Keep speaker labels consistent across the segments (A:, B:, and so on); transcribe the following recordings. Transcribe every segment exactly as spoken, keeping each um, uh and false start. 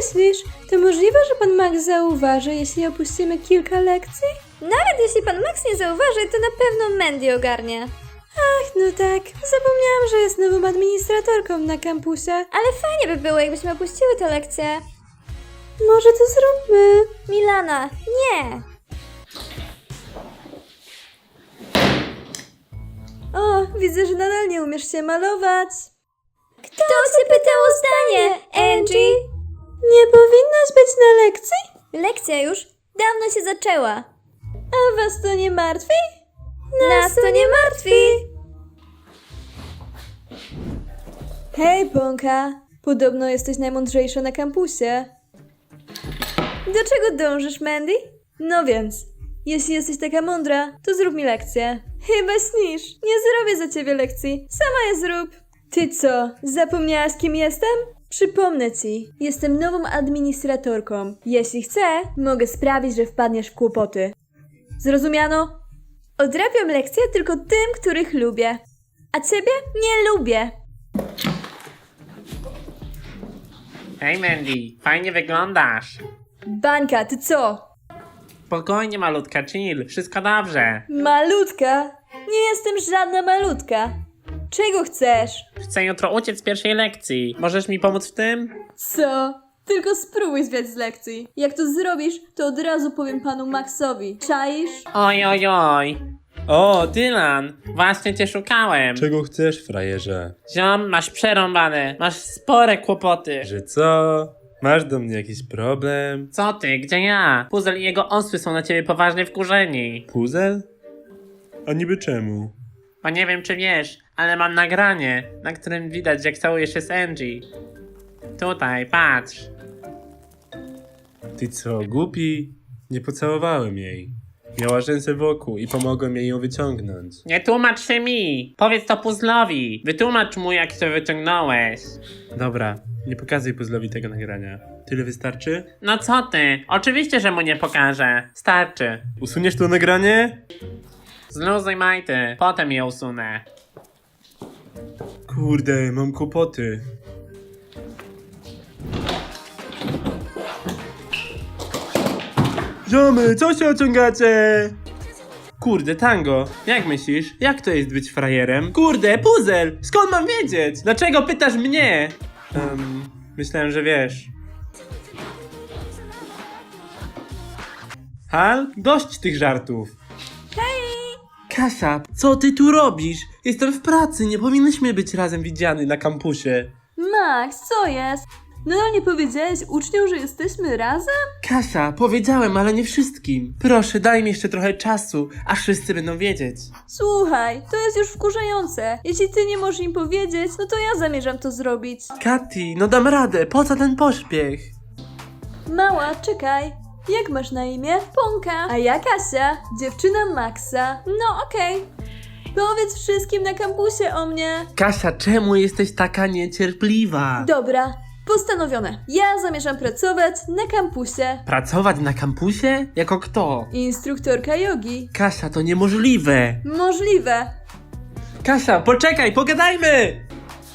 A: myślisz, to możliwe, że pan Max zauważy, jeśli opuścimy kilka lekcji?
B: Nawet jeśli pan Max nie zauważy, to na pewno Mandy ogarnie.
A: Ach, no tak. Zapomniałam, że jest nową administratorką na kampusie.
B: Ale fajnie by było, jakbyśmy opuściły tę lekcję.
A: Może to zróbmy.
B: Milana, nie!
A: O, widzę, że nadal nie umiesz się malować.
B: Kto cię pytał o zdanie, Angie?
A: Nie powinnaś być na lekcji?
B: Lekcja już dawno się zaczęła.
A: A was to nie martwi?
B: Nas to nie martwi.
A: Hej, Ponka. Podobno jesteś najmądrzejsza na kampusie. Do czego dążysz, Mandy? No więc, jeśli jesteś taka mądra, to zrób mi lekcję. Chyba śnisz. Nie zrobię za ciebie lekcji. Sama je zrób. Ty co, zapomniałaś, kim jestem? Przypomnę ci, jestem nową administratorką. Jeśli chcę, mogę sprawić, że wpadniesz w kłopoty. Zrozumiano? Odrabiam lekcje tylko tym, których lubię. A ciebie nie lubię.
C: Hej Mandy, fajnie wyglądasz.
A: Bańka, ty co?
C: Spokojnie malutka, chill, wszystko dobrze.
A: Malutka? Nie jestem żadna malutka. Czego chcesz?
C: Chcę jutro uciec z pierwszej lekcji. Możesz mi pomóc w tym?
A: Co? Tylko spróbuj zwiać z lekcji. Jak to zrobisz, to od razu powiem panu Maxowi. Czaisz?
C: Oj, oj, oj. O, Dylan, właśnie cię szukałem.
D: Czego chcesz, frajerze?
C: Ziom, masz przerąbane, masz spore kłopoty.
D: Że co? Masz do mnie jakiś problem?
C: Co ty, gdzie ja? Puzel i jego osły są na ciebie poważnie wkurzeni.
D: Puzel? A niby czemu?
C: Bo nie wiem czy wiesz, ale mam nagranie, na którym widać jak całujesz się z Angie. Tutaj, patrz.
D: Ty co, głupi? Nie pocałowałem jej. Miała rzęsę wokół i pomogłem jej ją wyciągnąć.
C: Nie tłumacz się mi! Powiedz to Puzzlowi! Wytłumacz mu jak się wyciągnąłeś!
D: Dobra, nie pokazuj Puzzlowi tego nagrania. Tyle wystarczy?
C: No co ty? Oczywiście, że mu nie pokażę. Starczy.
D: Usuniesz to nagranie?
C: Zluzuj majty, potem je usunę.
D: Kurde, mam kłopoty. Ziomy, co się ociągacie? Kurde, Tango, jak myślisz? Jak to jest być frajerem? Kurde, Puzel, skąd mam wiedzieć? Dlaczego pytasz mnie? Um, myślałem, że wiesz. Hal, dość tych żartów. Hej! Kasia, co ty tu robisz? Jestem w pracy, nie powinnyśmy być razem widziani na kampusie.
A: Max, co jest? Nadal nie powiedziałeś uczniom, że jesteśmy razem?
D: Kasia, powiedziałem, ale nie wszystkim. Proszę, daj mi jeszcze trochę czasu, aż wszyscy będą wiedzieć.
A: Słuchaj, to jest już wkurzające. Jeśli ty nie możesz im powiedzieć, no to ja zamierzam to zrobić.
D: Kati, no dam radę, po co ten pośpiech?
A: Mała, czekaj. Jak masz na imię? Ponka. A ja Kasia, dziewczyna Maxa. No okej. Powiedz wszystkim na kampusie o mnie.
D: Kasia, czemu jesteś taka niecierpliwa?
A: Dobra, postanowione. Ja zamierzam pracować na kampusie.
D: Pracować na kampusie? Jako kto?
A: Instruktorka jogi.
D: Kasia, to niemożliwe.
A: Możliwe.
D: Kasia, poczekaj, pogadajmy!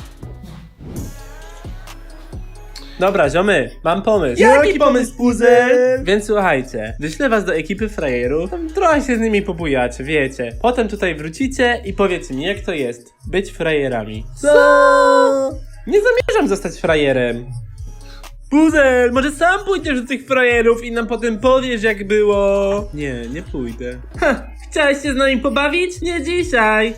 D: Dobra, ziomy, mam pomysł.
E: Jaki pomysł, Puzel?
D: Więc słuchajcie, wyślę was do ekipy frajerów, tam trochę się z nimi pobujacie, wiecie. Potem tutaj wrócicie i powiedzcie mi, jak to jest być frajerami.
E: Co?
D: Nie zamierzam zostać frajerem. Puzel, może sam pójdziesz do tych frajerów i nam potem powiesz, jak było. Nie, nie pójdę. Ha, chciałeś się z nami pobawić? Nie dzisiaj.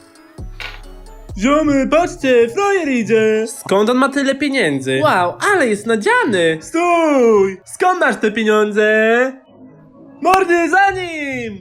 D: Ziomy, patrzcie, frajer idzie! Skąd on ma tyle pieniędzy? Wow, ale jest nadziany! Stój! Skąd masz te pieniądze? Mordy, za nim!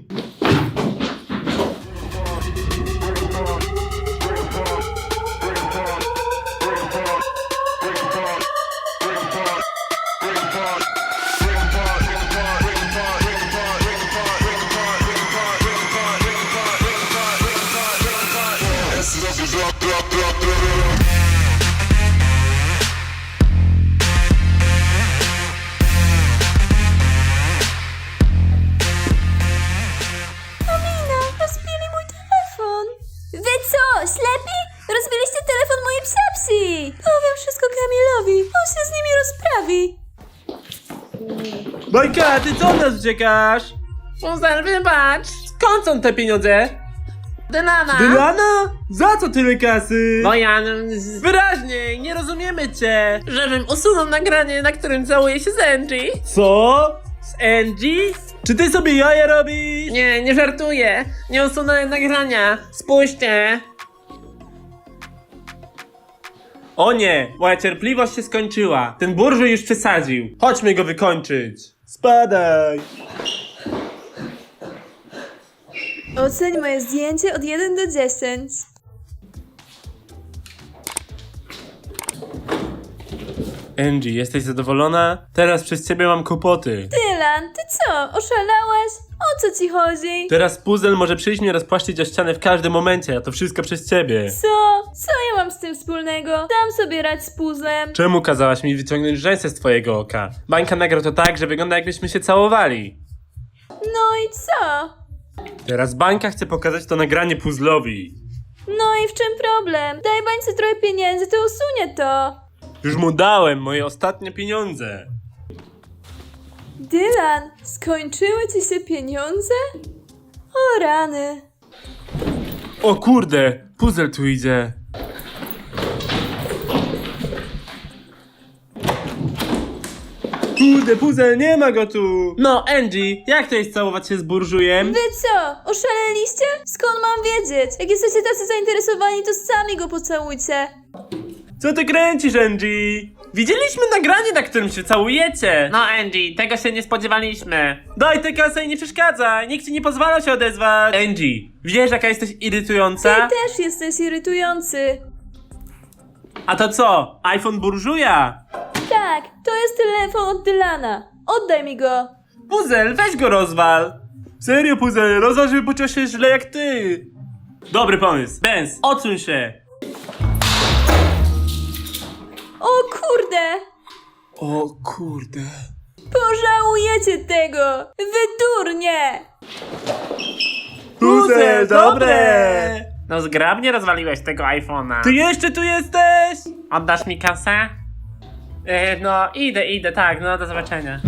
B: Wy co, ślepi? Rozbiliście telefon mojej psiapsi!
A: Powiem wszystko Kamilowi. On się z nimi rozprawi.
D: Bajka, ty co od nas uciekasz?
C: Puzel, wybacz!
D: Skąd są te pieniądze?
C: Dylana!
D: Dylana? Za co tyle kasy?
C: Bo ja... z-
D: Wyraźniej, nie rozumiemy cię.
C: Żebym usunął nagranie, na którym całuję się z Angie.
D: Co? Z Angie? Czy ty sobie jaja robisz?
C: Nie, nie żartuję. Nie usunąłem nagrania. Spójrzcie.
D: O nie, moja cierpliwość się skończyła. Ten burżuj już przesadził. Chodźmy go wykończyć. Spadaj.
A: Oceń moje zdjęcie od jeden do dziesięć.
D: Angie, jesteś zadowolona? Teraz przez ciebie mam kłopoty.
A: Dylan, ty co? Oszalałeś? O co ci chodzi?
D: Teraz puzzle może przyjść mnie rozpłaszczyć o ścianę w każdym momencie, a to wszystko przez ciebie.
A: Co? Co ja mam z tym wspólnego? Dam sobie rać z puzzlem.
D: Czemu kazałaś mi wyciągnąć rzęsę z twojego oka? Bańka nagrał to tak, że wygląda jakbyśmy się całowali.
A: No i co?
D: Teraz Bańka chce pokazać to nagranie puzzlowi.
A: No i w czym problem? Daj bańce trochę pieniędzy, to usunie to.
D: Już mu dałem moje ostatnie pieniądze.
A: Dylan, skończyły ci się pieniądze? O rany.
D: O kurde, puzzle tu idzie. Kurde, puzzle, nie ma go tu. No, Angie, jak to jest całować się z burżujem?
A: Wy co? Oszaleliście? Skąd mam wiedzieć? Jak jesteście tacy zainteresowani, to sami go pocałujcie.
D: Co ty kręcisz, Angie? Widzieliśmy nagranie, na którym się całujecie.
C: No Angie, tego się nie spodziewaliśmy.
D: Daj tę kasę i nie przeszkadzaj. Nikt ci nie pozwala się odezwać. Angie, wiesz jaka jesteś
A: Ty
D: irytująca?
A: też jesteś irytujący.
D: A to co? iPhone burżuja?
A: Tak, to jest telefon od Dylana. Oddaj mi go.
D: Puzel, weź go rozwal. Serio, Puzel, rozwal, żeby poczuł się źle jak ty. Dobry pomysł. Benz, odsuń się.
A: O kurde!
D: O kurde.
A: Pożałujecie tego! Wy durnie!
D: Puzel, dobre.
C: No zgrabnie rozwaliłeś tego iPhone'a.
D: Ty jeszcze tu jesteś?
C: Oddasz mi kasę? Yy, no idę, idę, tak, no do zobaczenia.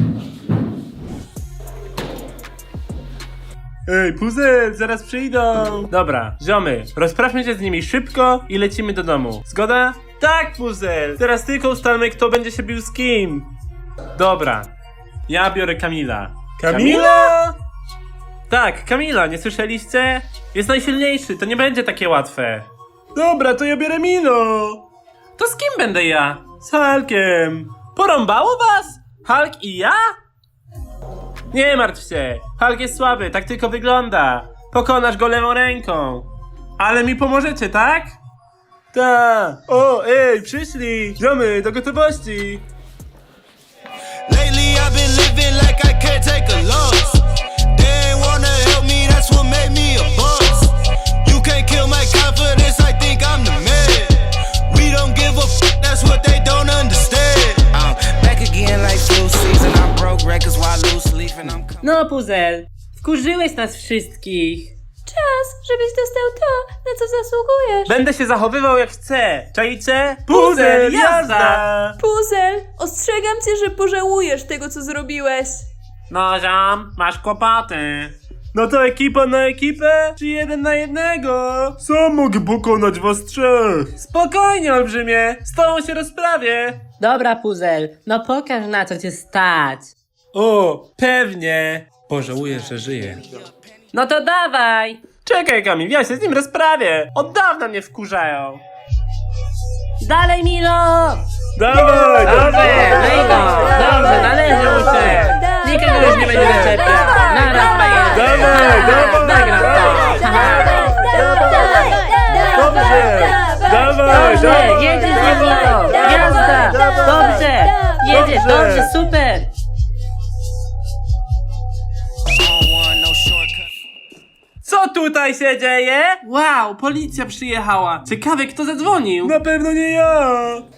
D: Ej, Puzel, zaraz przyjdą. Dobra, ziomy, rozprawmy się z nimi szybko i lecimy do domu. Zgoda? Tak, Puzel. Teraz tylko ustalmy, kto będzie się bił z kim. Dobra, ja biorę Kamila. Kamila? Tak, Kamila, nie słyszeliście? Jest najsilniejszy, to nie będzie takie łatwe. Dobra, to ja biorę Milo. To z kim będę ja? Z Hulkiem. Porąbało was? Hulk i ja? Nie martw się, Hulk jest słaby, tak tylko wygląda. Pokonasz go lewą ręką. Ale mi pomożecie, tak? Ta. O, ej, przyszli. Ziomy, do gotowości.
E: Lately I've been living like I can't take a loss. They ain't wanna help me, that's what made me a boss. You can't kill my confidence, I think I'm the man. We don't give a f, that's what they don't understand. I'm back again like flu season, I broke records while loose leaf and I'm coming.
C: No Puzel, wkurzyłeś nas wszystkich.
A: Czas, żebyś dostał to, na co zasługujesz.
D: Będę się zachowywał jak chcę. Czajcie? Puzel, jazda!
A: Puzel, ostrzegam cię, że pożałujesz tego, co zrobiłeś.
C: No ziom, masz kłopoty.
D: No to ekipa na ekipę, czy jeden na jednego? Sam mogę pokonać was trzech. Spokojnie, olbrzymie, z tobą się rozprawię.
C: Dobra Puzel, no pokaż na co cię stać.
D: O, pewnie. Pożałuję, że żyję.
C: No to dawaj.
D: Czekaj, Kamil, ja się z nim rozprawię. Od dawna mnie wkurzają.
C: Dalej Milo.
D: Dawaj,
C: Dobrze, lej go. Dobrze, należy mu się. Nikogo już nie będzie zaczepiał. Naraz ma
D: Dawaj, dawaj,
C: Nagram to.
D: Dobrze, dawaj,
C: Dobrze,
D: dawaj.
C: jedziesz z Milo. Jazda. Dobrze. Jedziesz, dobrze, super.
E: On one, no shortcut.
D: Co tutaj się dzieje? Wow, policja przyjechała. Ciekawe, kto zadzwonił. Na pewno nie ja.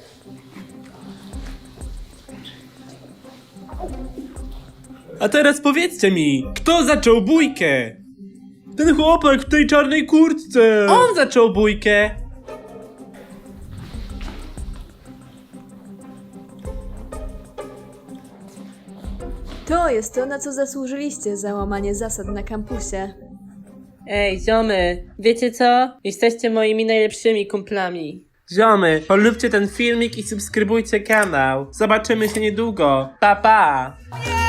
D: A teraz powiedzcie mi, kto zaczął bójkę? Ten chłopak w tej czarnej kurtce. On zaczął bójkę.
A: To jest to, na co zasłużyliście za łamanie zasad na kampusie.
F: Ej, ziomy, wiecie co? Jesteście moimi najlepszymi kumplami.
D: Ziomy, polubcie ten filmik i subskrybujcie kanał. Zobaczymy się niedługo. Pa, pa!